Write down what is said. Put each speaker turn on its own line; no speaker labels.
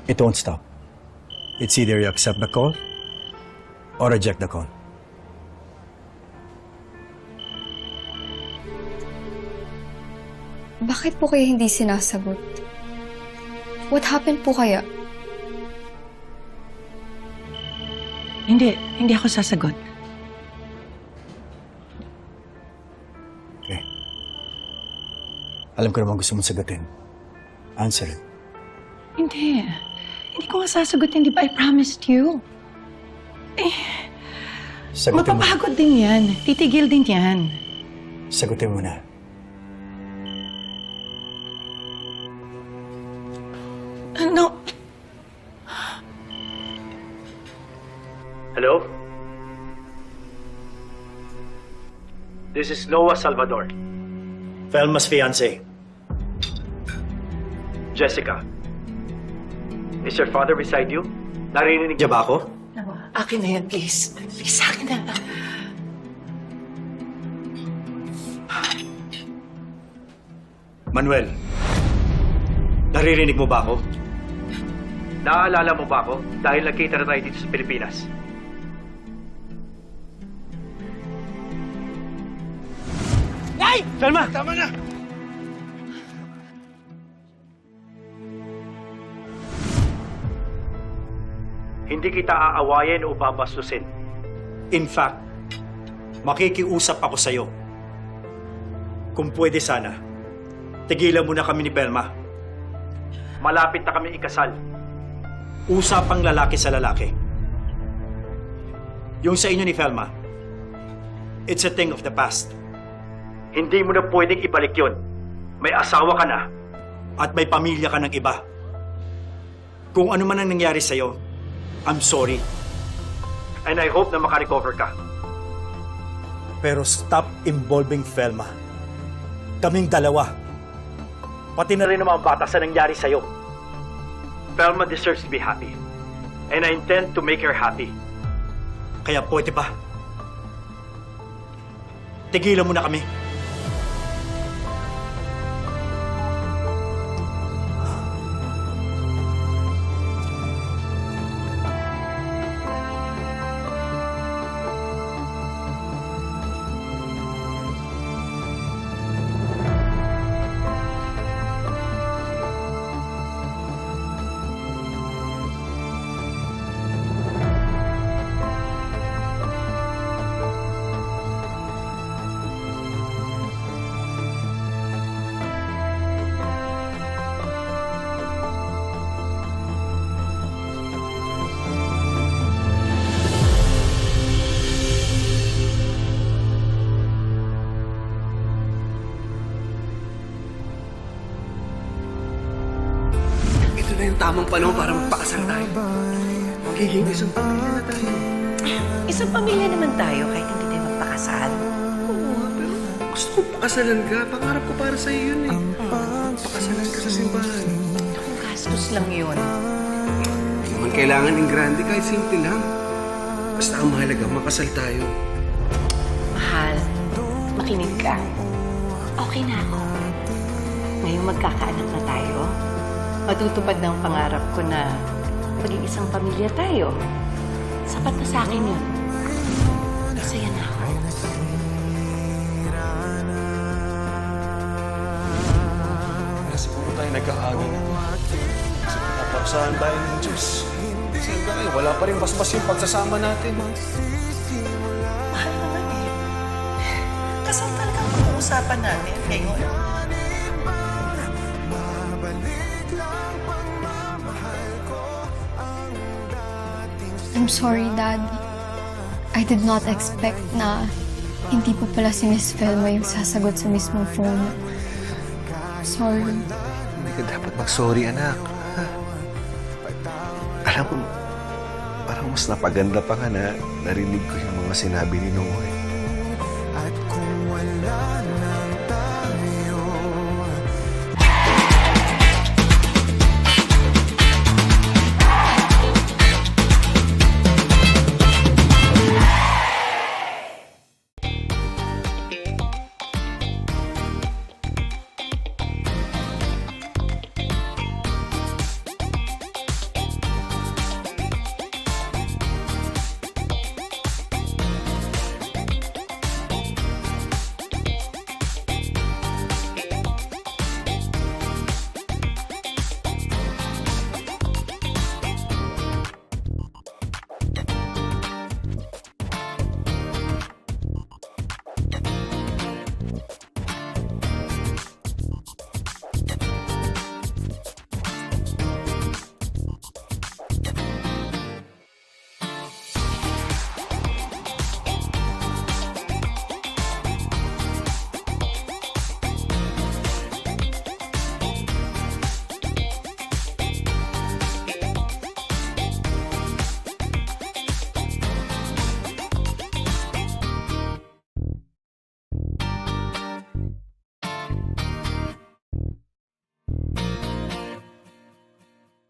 It won't stop. It's either you accept the call or reject the call.
Bakit po kaya hindi sinasagot? What happened po kaya?
Hindi ako sasagot.
Okay. Alam ko naman gusto mong sagutin. Answer it.
Hindi ko nga sasagutin, di ba? I promised you.
Sagutin mo.
Mapapagod din yan. Titigil din yan.
Sagutin mo na.
Ano?
Hello? This is Noah Salvador. Felma's fiancé. Jessica. Is your father beside you? Narinig niya ba ako?
Akin na yan, please. Please, akin na.
Manuel, naririnig mo ba ako? Naaalala mo ba ako dahil nagkita na tayo dito sa Pilipinas? Ay! Felma! Tama na! Hindi kita aawayin o babastusin. In fact, makikiusap ako sa'yo. Kung pwede sana, tigilan mo na kami ni Pelma. Malapit na kami ikasal. Usapang lalaki sa lalaki. Yung sa inyo ni Felma, it's a thing of the past. Hindi mo na pwedeng ibalik yon. May asawa ka na at may pamilya ka ng iba. Kung ano man ang nangyari sa'yo, I'm sorry. And I hope na makarecover ka. Pero stop involving Felma. Kaming dalawa. Pati na rin ang mga bata sa nangyari sa'yo. Felma deserves to be happy. And I intend to make her happy. Kaya pwede ba? Tigilan mo na kami.
Ito na yung tamang panahon para magpakasal tayo. Magiging isang pamilya na tayo.
Isang pamilya naman tayo kahit hindi tayo magpakasal.
Oo nga, pero gusto ko pakasalan ka. Pangarap ko para sa'yo yun eh. Pakasalan ka sa simbahan.
Kung gastos lang yun.
Hindi naman kailangan ng grande, kahit simple lang. Basta ang mahalaga, makasal tayo.
Mahal, makinig ka. Okay na ako. Ngayong magkakaanak na tayo, matutupad na ang pangarap ko na maging isang pamilya tayo. Sapat na sa akin yun. Masaya na ako.
Siguro tayo nagkakaagay na. Kasi pinaparusahan tayo ng Diyos. Kasi hanggang ngayon, wala pa rin basbas yung pagsasama natin.
Mahal naman eh. Kasal talaga ang pag-uusapan natin ngayon.
I'm sorry, Dad. I did not expect na hindi po pala si Miss Felma yung sasagot sa mismong phone. Sorry.
Hindi ka dapat mag-sorry, anak. Ha? Alam mo, parang mas napaganda pa ka na narinig ko yung mga sinabi ni Noah. At kung wala